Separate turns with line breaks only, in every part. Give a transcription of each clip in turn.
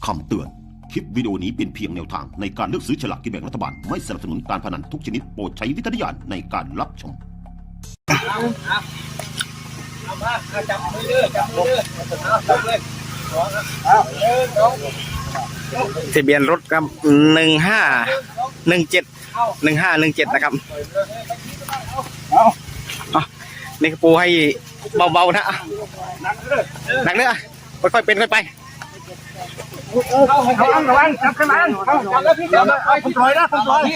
คำเตือน คลิปวิดีโอนี้เป็นเพียงแนวทางในการเลือกซื้อฉลากกินแบ่งรัฐบาล ไม่สนับสนุนการพนันทุกชนิดโปรดใช้วิจารณญาณในการรับชม
จับมือเลยจับเลย
ทะเบียนรถครับ1517นะครับนี่กระปูให้เบาๆนะหนักเนื้อค่อยๆเป็นค่อยไประวังจับขึ้นมาจับแล้วพี่จับผมปล่อยนะผมปล่อย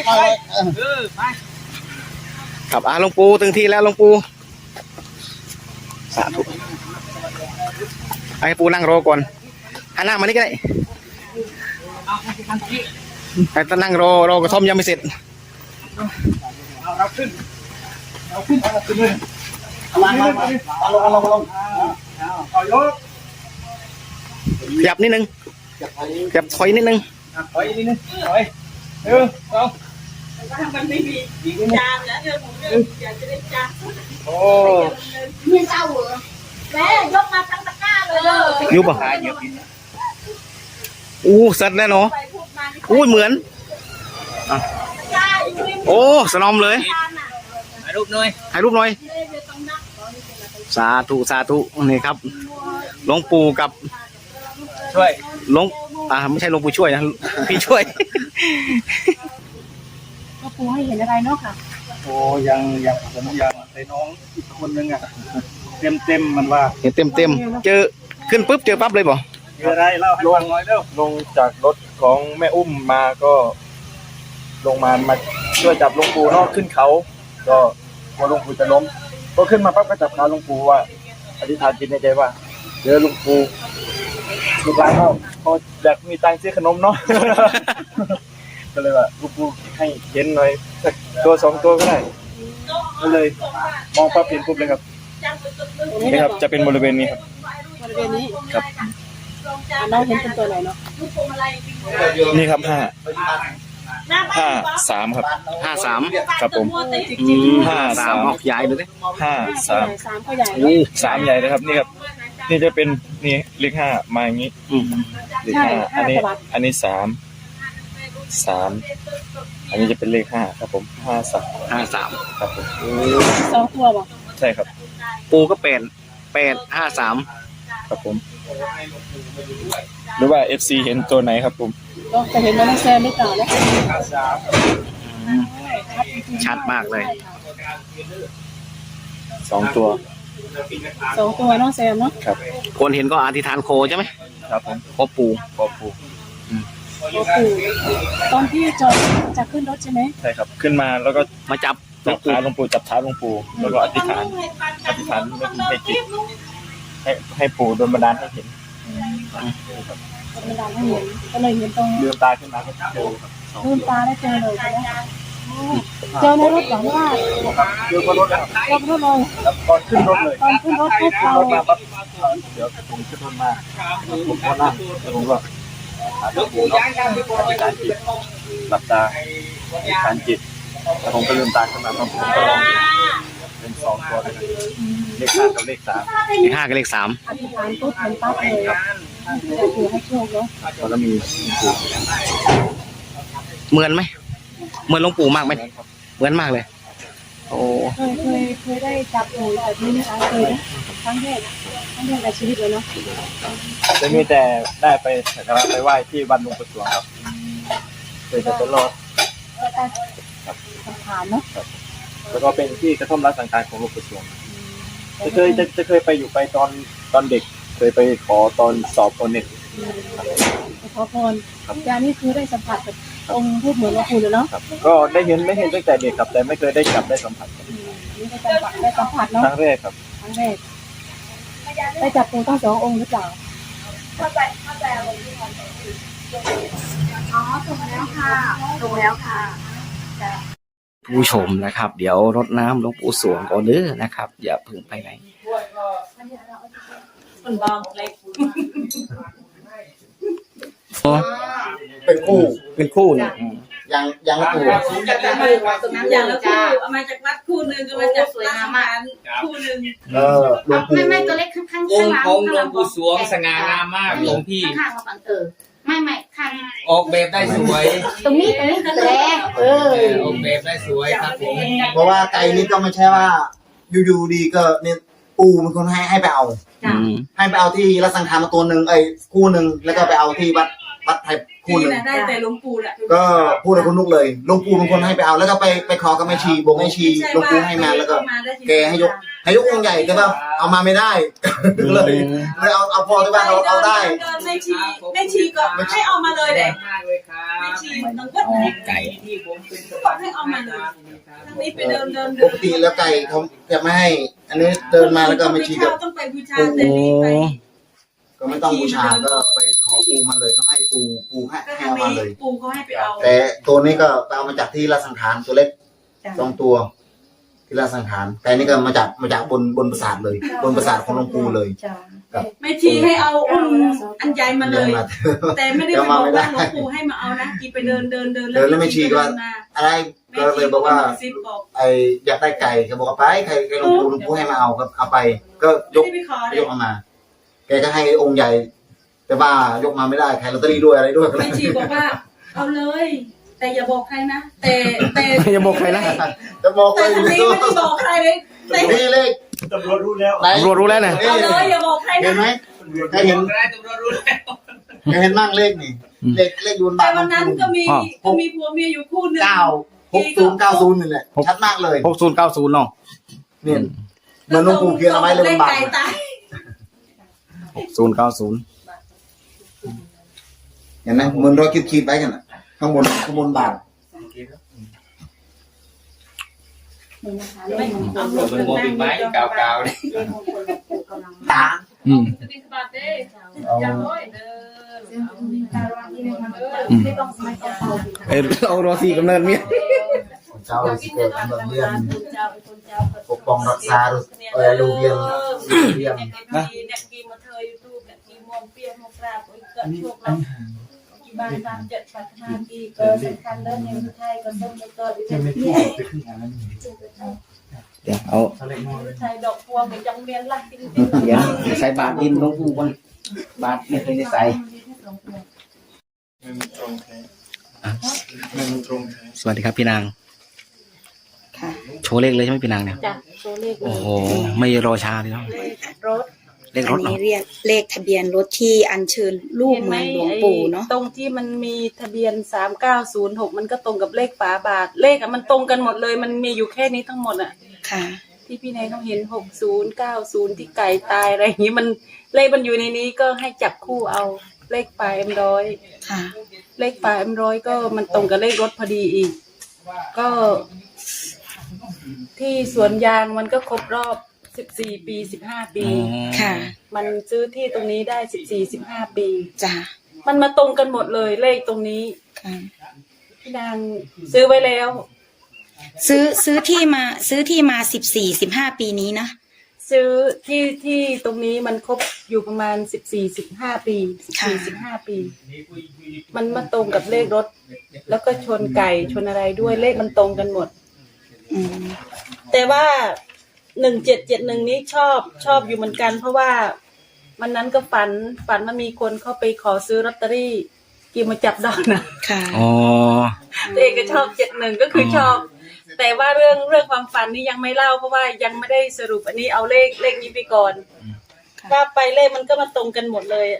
ครับหลวงปู่ถึงที่แล้วหลวงปู่สาธุให้ปู่นั่งรอก่อนหันหน้ามานี่ก็ได้ให้ตั้งนั่งรอกระท่อมยังไม่เสร็จ
เอาขึ้นเลยลงเอายก
ขยับนิดนึงขยับถอยนิดนึง
ถอยนิดนึงถอยเอา
มันไม่มีจานแล้วผมอยากจะได้จาน
โอ้
ไม่เศร้าเหรอแม่ยกมาทั้งตะกร้าเลย
ยุบป่ะสัตว์แน่นอนเหมือนโอ้สนอมเลย
ถ่ายรูปหน่อย
สาธุนี่ครับหลวงปู่กับ
ช่วย
หลวงไม่ใช่หลวงปู่ช่วยนะพี่ช่วย
ก็ปูให้เห็นอะไรเนาะค่ะ
โอ้ยังผมยังไอ้น้องอีกคนนึงอ่ะเต็มมันว่า
เห็นเต็มเจอขึ้นปุ๊บเจอปั๊บเลยบ่
เจออะไรเล่าให้ฟังหน่อยเร็ว
ลงจากรถของแม่อุ้มมาก็ลงมาช่วยจับหลวงปู่เนาะขึ้นเขาก็กลัวหลวงปู่จะล้มก็ขึ้นมาปั๊บก็จับขาหลวงปู่ว่าอธิษฐานจิตในใจว่าเจอหลวงปู่ลูกหลานเขาอยากมีตังค์ซื้อขนมเนาะ ก็เลยว่าหลวงปู่ให้เห็นหน่อยสักตัว2ตัวก็ได้ก็เลยมองปั๊บเห็นปุ๊บเลยครับนี่ครับจะเป็นบริเวณนี้ครับ
บริเวณนี้
ครับ
น้องเห็นเป็นตัวไหนเนาะ
นี่ครับ53ครับ
53
ครับผม
53ออกใหญ่เลย
53
ก็ใหญ่
3ใหญ่เลยครับนี่ครับนี่จะเป็นนี่เลข5มาอย่างนี้เลข5อันนี้3อันนี้จะเป็นเลข5ครับผม
53
ครับผม
2ตัวบ่
ใช่ครับ
ปูก็853
ครับผมหรือว่า FC เห็นตัวไหนครับผม
ก็จะเห็นน้องแซมหรือเปล่านะ
ชัดมากเลย
2ตัว
น้องแซมเนาะ
ครับ
คนเห็นก็อธิษฐานโคใช่ไหม
ครับผม
พ่อปู่
ตอนที่จะขึ้นรถใช่ไหม
ใช่ครับขึ้นมาแล้วก็
มาจับ
ขาหลวงปู่จับเท้าหลวงปู่แล้วก็อธิษฐานให้จิตให้ปู่โดนบันดาลให้เห็น
ก็เลยเห็นตรง
ลืมตาขึ้นมาก็เจอ
ลืมตาได้เจอเลยใช่ไหมเจอในรถหลังว่า
เจอบนรถแล้ว
เลย
ตอนขึ้นรถเลย
ตอนขึ้นรถปุ๊บเรา
เดี๋ยวผมขึ้นรถมาผมก็นั่งแล้วผมก็หลวงปู่เนาะอธิษฐานจิตหลับตาอธิษฐานจิตแล้วผมก็ลืมตาขึ้นมาผมก็ลองเป็น2ตัวเลยเลข5กับเลข3
เลข5กับเลข3
อธิษฐานปุ๊บเห็นปั๊บเลยจะถือให้โชคเนาะ
ก็มี
เหมือนไหมเหมือนหลวงปู่มากไหมเหมือนมากเลยโอ้
เคยได้จับหนูแบบนี้นะคะเคยครั้งแรกในชีวิตเลยเนาะ
จะมีแต่ได้ไปสักการะไปไหว้ที่วัดหลวงปู่สวงครับเคยจะรอด
สังขารเนาะ
แล้วก็เป็นที่กระท่อมรักสังขารของหลวงปู่สวงจะเคยไปอยู่ไปตอนเด็กเคยไปขอตอนสอบเน็ต
ขอพรยานี่คือได้สัมผัสกับองค์พูดเหมือนหลวงปู่เลยเนาะ
ก็ได้เห็นไม่เห็นตั้งแต่เด็กครับแต่ไม่เคยได้จับได้สัมผัส
นี่ได้สัมผัสเนาะ
ครั้งแรกครับ
ได้จับปูทั้ง2 องค์หรือเปล่าอ๋อถูกแล้วค่ะ
ผู้ชมนะครับเดี๋ยวรดน้ำหลวงปู่สวงก่อนเด้อนะครับอย่าเพิ่งไปไหนเป็นคู่เนี่ย
ยังละคู่
อย่างละคู่เอามาจากวัดคู่นึงก็มาจากสวยงามมากคู่นึง
ไม่ตัวเล็กข้าง
องค์หลวงปู่สวงสง่างามมากหลวงพี่
ข้างๆมาฝั่งไม่ออกแบบได้สวย
ตรงนี้แหละ
ออกแบบได้สวยครับผม
เพราะว่าไก่นี่ก็ไม่ใช่ว่าอยู่ๆดีก็เนี่ยปูเป็นคนให้ไปเอา
จ้ะ
ให้ไปเอาที่รัสังขารมาตัวหนึ่งคู่หนึ่งแล้วก็ไปเอาที่วัดไทยคู่
ที่
หนึ่ง
น่ะได้แต่หลวงปู่แหละ
ก็พูดกับคุณนุกเลยหลวงปู่เป็นคนให้ไปเอาแล้วก็ไปขอกับแม่ชีบอกแม่ชีหลวงปู่ให้มาแล้วก็แกให้ยกองค์ใหญ่แต่ว่าเอามาไม่ได้เลยเอาพอที่ว่าเราเอาได้
เดินแม่ชีก็ให้เอามาเลยแหละ
มากเลยครับ
แม่ชีน้องก็ไก่
ที่ผมเป็น
บอกให้เอามาเลยทางนี้ไปเดิน
ปกติแล้วไก่เขาจะไม่ให้ อันนี้เดินมาแล้วก็แม่ชีก็
ต้องไปบูชาแต่นี่ไป
ก็ไม่ต้องบูชาก็ไปขอปูมาเลยก็ให้ปูให้
ก็
ให้
ทาง
เอามา
นี้
เลย
ปู่เขาให้ไปเอา
แต่ตัวนี้ก็ไปเอามาจากที่ละสังขารตัวเล็ก
จ้ะ
2 ตัว ที่ละสังขารแต่นี่ก็มาจากบนปราสาทเลย บนปราสาทของหลวงปู่เลย
แม่ชีให้เอาอุ้มอันใหญ่มาเลย
มา
แต่ไม่ได้ไปบอกว่าหลวงปู่ให้มาเอานะกีไปเดิน
แล้วแม่ชีก็อะไรก็เลยบอกว่า
ซิบบอก
อยากได้ไก่เขาบอกว่าไปไก่หลวงปู่ให้มาเอาครับเอาไปก็ยก
ไม่ได้ไปขอเลย
ยกเอามาแกก็ให้องค์ใหญ่ แต่ว่ายกมาไม่ได้ขายลอตเตอรี่ด้วยอะไรด้วย
แม่ชีบอกว่า เอาเลย แต่อย่าบอกใครนะแต่
อย่าบอกใครนะ
จะบอกเล
แต่
ย
ทางนี้ไม่ได้บอกใครเลยแต่
นี่เลข
ตำรวจรู้แล้ว
ไหน
ตำรวจรู้แล้วนะ
เอาเลยอย่าบอกใคร
เห็น
นะ
ไหมใครเห็น
ได้ตำรวจรู้แล้ว
ใครเห็นบ้างเลขนี่เลขยูน
แต่
บ้าน
วันนั้นก็มีผัวเมียอยู่คู่หนึง
96090นี่แหละชัดมากเลย
6090เนาะ
เนี่ยเหมือนหลวงปู่เขียนเอาไว้เลย
เล
บ
ข
นบา
ไก่
ท
ตาย
6090
เห็นไหมเหมือนรอยขีดไว้กันอ่ะข้างบนบาท
ไม่เอา
เปิดโมบิลไม้เก่าๆเลย
ตา
เอารอสีกำเนิดเมีย
เจ้าสิเกิดกำเนิดเรียนปกป้องรักษาลูกเรียน
นะเนี่ยกีมาเธอยูทูบเนี่ยกีมองเปียมองกราบโอ้ยเกิดโชคแล้วกีบ้านตาม7ปัฒนากีเกิดสำคัญเรื่องในไทยก็ต้องไปเกิดที่นี่
เดี๋ยวเอา
ไทยดอกพวงไปจังเรียนละจริง
เดี๋ยวใส่บาทดินหลวงปู่ก่อนบาทไม่เคยได้ใส่สวัสดีครับพี่นาง
ค่ะ
โชว์เลขเลยใช่ไหมพี่นางเนี่ย
จ้ะตัวเลข
โอ้โหไม่รอช้าเลยเนาะ
รถ
เลขร
อั
ถ
น
เนาะ
นี้เรียกเลขทะเบียนรถที่อัญเชิญรูปเหมือนหลวงปู่เนาะ
ตรงที่มันมีทะเบียน3906มันก็ตรงกับเลขฝาบาทเลขอะมันตรงกันหมดเลยมันมีอยู่แค่นี้ทั้งหมดอ่ะ
ค่ะ
ที่พี่นายเขาเห็น6090ที่ไก่ตายอะไรอย่างนี้มันเลขมันอยู่ในนี้ก็ให้จับคู่เอาเลขปลายM100
ค่ะ
เลขปลายM100ก็มันตรงกับเลขรถพอดีอีก ก็ที่สวนยางมันก็ครบรอบ14 ปี 15 ปี
ค่ะ
มันซื้อที่ตรงนี้ได้14-15 ปี
จ้ะ
มันมาตรงกันหมดเลยเลขตรงนี้
ค่ะ
พี่นางซื้อไว้แล้ว
ซื้อที่มา14-15 ปีนี้นะ
ซื้อที่ตรงนี้มันครบอยู่ประมาณ14-15 ปี14-15 ปี มันมาตรงกับเลขรถ แล้วก็ชนไก่ชนอะไรด้วยเลขมันตรงกันหมด
อืม
แต่ว่า1771นี้ชอบอยู่เหมือนกัน เพราะว่ามันนั้นก็ฝันว่ามีคนเข้าไปขอซื้อลอตเตอรี่กี่มาจับดอกนะ
ค่ะ
อ๋อ
ตัวเองก็ชอบ71ก็คือชอบ แต่ว่าเรื่องความฝันนี่ยังไม่เล่าเพราะว่ายังไม่ได้สรุปอันนี้เอาเลขนี้ไปก่อนว่าไปเลขมันก็มาตรงกันหมดเลย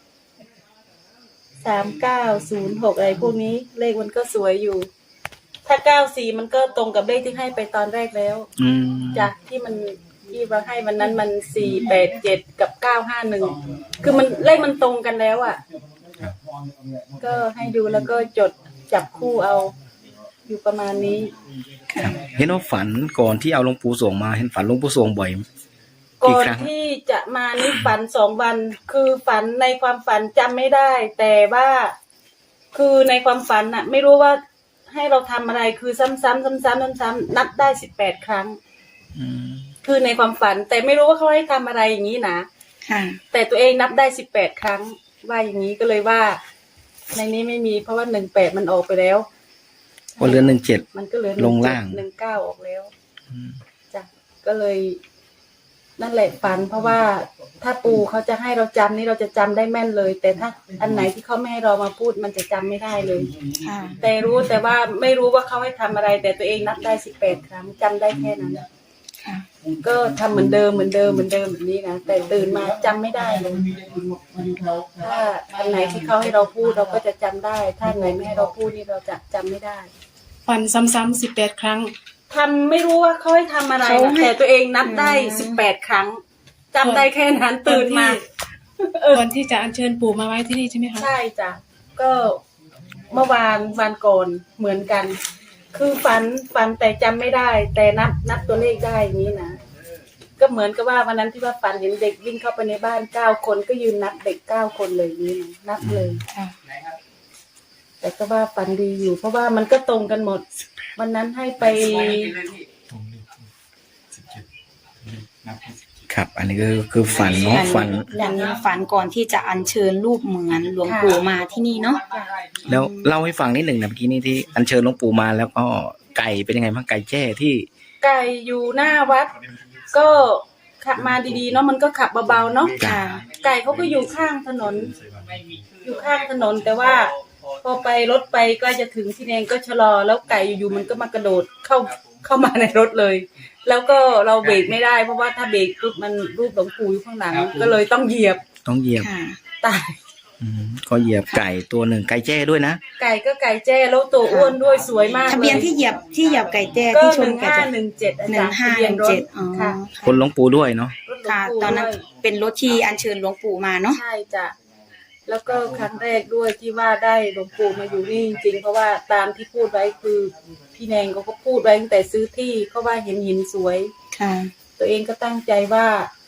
3906อะไรพวกนี้เลขมันก็สวยอยู่ ถ้า94มันก็ตรงกับเลขที่ให้ไปตอนแรกแล้ว
อืม
จากที่เราให้วันนั้นมัน487กับ951คือมันเลขมันตรงกันแล้วอ่ะก็ให้ดูแล้วก็จดจับคู่เอาอยู่ประมาณนี้
เห็นว่าฝันก่อนที่เอาหลวงปู่สวงมาเห็นฝันหลวงปู่สวงบ่อย
ก่อน
ครั้ง
ที่จะมานี่ฝัน2 วัน คือฝันในความฝันจำไม่ได้ แต่ว่าคือในความฝันน่ะ ไม่รู้ว่าให้เราทำอะไรคือซ้ำๆนับได้18 ครั้ง
อืม
คือในความฝัน แต่ไม่รู้ว่าเขาให้ทำอะไรอย่างนี้นะ
ค่ะ
แต่ตัวเองนับได้18 ครั้ง ว่าอย่างนี้ก็เลยว่า ในนี้ไม่มีเพราะว่า18มันออกไปแล้ว
วันเรือน17
มันก็เหลือ
ลงล่าง
19ออกแล้วจ้ะก็เลยนั่นแหละฝันเพราะว่าถ้าปู่เขาจะให้เราจำนี่เราจะจำได้แม่นเลย แต่ถ้าอันไหนที่เขาไม่ให้เรามาพูดมันจะจำไม่ได้เลย
ค่ะ
แต่ว่าไม่รู้ว่าเขาให้ทำอะไร แต่ตัวเองนับได้18 ครั้งจำได้แค่นั้น
ค่ะ
ก็ทำเหมือนเดิมแบบนี้นะแต่ตื่นมาจำไม่ได้เลยถ้าอันไหนที่เขาให้เราพูดเราก็จะจำได้ถ้าอันไหนไม่ให้เราพูดนี่เราจะจำไม่ได้
ฝันซ้ำๆ18 ครั้ง
ทำไม่รู้ว่าเขาให้ทำอะไร
เขา
นะ
ให้
แต่ตัวเองนับได้18 ครั้งจำได้แค่นั้นตื่นมา
ก่อนที่จะอัญเชิญปู่มาไว้ที่นี่ใช่ไหมคะ
ใช่จ้ะก็เมื่อวันก่อนเหมือนกัน คือฝันแต่จำไม่ได้ แต่นับตัวเลขได้อย่างนี้นะก็เหมือนกับว่าวันนั้นที่ว่าฝันเห็นเด็กวิ่งเข้าไปในบ้าน9 คนก็ยืนนับเด็ก9 คนเลยอย่างนี้นะนับเลย
ค่ะ
แต่ก็ว่าฝันดีอยู่ เพราะว่ามันก็ตรงกันหมด วันนั้นให้ไป
ครับ อันนี้คือฝันเนาะฝัน
อันนี้ฝันก่อนที่จะอัญเชิญรูปเหมือนหลวงปู่มาที่นี่เนาะ
แล้วเล่าให้ฟังนิดหนึ่งนะเมื่อกี้นี้ที่อัญเชิญหลวงปู่มาแล้วก็ไก่เป็นยังไงบ้างไก่แจ้ที่
ไก่อยู่หน้าวัด ก็ขับมาดีๆเนาะมันก็ขับเบาๆเนาะ
ค่ะ
ไก่เขาก็อยู่ข้างถนน อยู่ข้างถนนแต่ว่า พอไปรถไปก็จะถึงที่เองก็ชะลอ แล้วไก่อยู่ๆมันก็มากระโดดเข้ามาในรถเลย แล้วก็เราเบรกไม่ได้เพราะว่าถ้าเบรกปุ๊บมันรูปหลวงปู่อยู่ข้างหลังก็เลยต้องเหยียบ
ต้องเหยียบ
ค่ะ
ตาย
ก็เหยียบไก่ตัวหนึ่งไก่แจ้ด้วยนะ
ไก่ก็ไก่แจ้แล้วตัวอ้วนด้วยสวยมาก
ทะเบียนที่เหยียบไก่แจ้
ก็
ที่ชน
1517
ไก่แจ้
อาจารย์ทะเบียนรถ
1517อ๋อ
ค่ะ
คนหลวงปู่ด้วยเนาะ
รถหลวง
ค่ะ
ปู่
ตอนนั้น
ด้วย
เป็นรถที่อัญเชิญหลวงปู่มาเนาะ
ใช่จ้ะแล้วก็ครั้งแรกด้วยที่ว่าได้หลวงปู่มาอยู่นี่จริงๆเพราะว่าตามที่พูดไว้คือพี่แนงเขาก็พูดไว้ตั้งแต่ซื้อที่เขาว่าเห็นหินสวย
ค่ะ
ตัวเองก็ตั้งใจว่า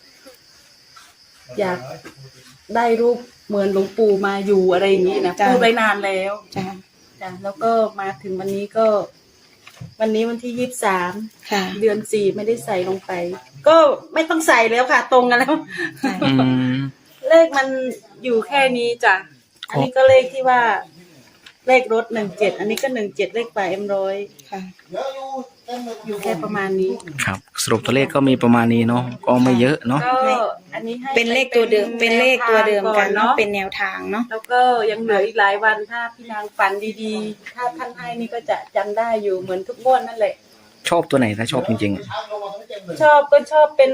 อยากได้รูปเหมือนหลวงปู่มาอยู่อะไรอย่างนี้นะ
จ้ะ
พูดไว้นานแล้ว
จ้ะ
จ้ะแล้วก็มาถึงวันนี้ก็ วันนี้วันที่23
ค่ะ
เดือน4ไม่ได้ใส่ลงไป ก็ไม่ต้องใส่แล้วค่ะ ตรงกันแล้ว
อืม
เลขมันอยู่แค่นี้จ้ะ อันนี้ก็เลขที่ว่า เลขรถ17อันนี้ก็17เลขป่าM100
ค่ะ
อยู่แค่ประมาณนี้
ครับ สรุปตัวเลขก็มีประมาณนี้เนาะก็ไม่เยอะเนาะ
ก็อันนี้ให้
เป็นเลขตัวเดิมเป็นเลขตัวเดิมกันเนาะ
เป็
เป็น นแนวทางเนาะ
แล้วก็ยังเหลืออีกหลายวันถ้าพี่นางฝันดีๆ ถ้าท่านให้นี่ก็จะจำได้อยู่เหมือนทุกงวดนั่นแหละ
ชอบตัวไหนถ้าชอบจริง
ชอบก็ชอบเป็น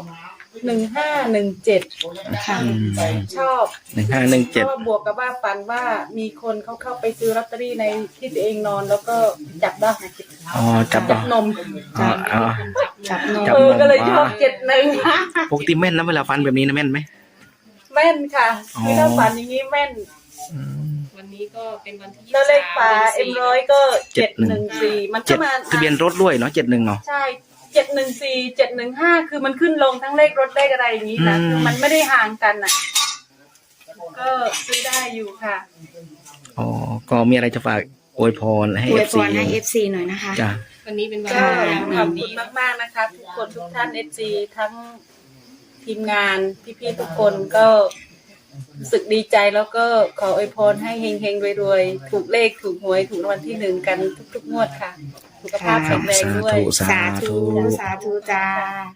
1517
ค่ะ
ชอบ
1517
เพราะว่าบวกกับว่าฝันว่ามีคนเขาเข้าไปซื้อลอตเตอรี่ในที่ตัวเองนอนแล้วก็จับได้
อ๋อจับ
จับนม
อ๋ออ๋อ
จับนม
จับ
ก็เลยชอบ71
ปกติแม่นนะเวลาฟันแบบนี้นะแม่นไหม
แม่นค่ะ
อ๋อ
คือถ้าฝันอย่างนี้แม่น
วันนี้ก็เป็นวันที่
แล้วเลขป่า
23
M100 ก็714มันก็
เจ็ด
มา
ทะเบียนรถด้วยเนาะ71เนาะ
ใช่714 715คือมันขึ้นลงทั้งเลขรถเลขอะไรอย่างนี้นะ
อืม
คือมันไม่ได้ห่างกันอ่ะ ก็ซื้อได้อยู่ค่ะ
อ๋อก็มีอะไรจะฝากอวยพรให้
อวยพ
FC
รให้ FC หน่อยนะคะ
จ้ะ
วันนี้เป็นวัน
ก็
ที่
ขอบคุณมากๆนะคะ ทุกคนทุกท่าน FC ทั้งทีมงานพี่ๆทุกคนก็รู้สึกดีใจแล้วก็ขออวยพรให้เฮงๆรวยๆถูกเลขถูกหวยถูกรางวัลที่1กันทุกๆงวดค่ะ สุขภาพแข็งแรงด้วย
สาธุ
สาธุจ้า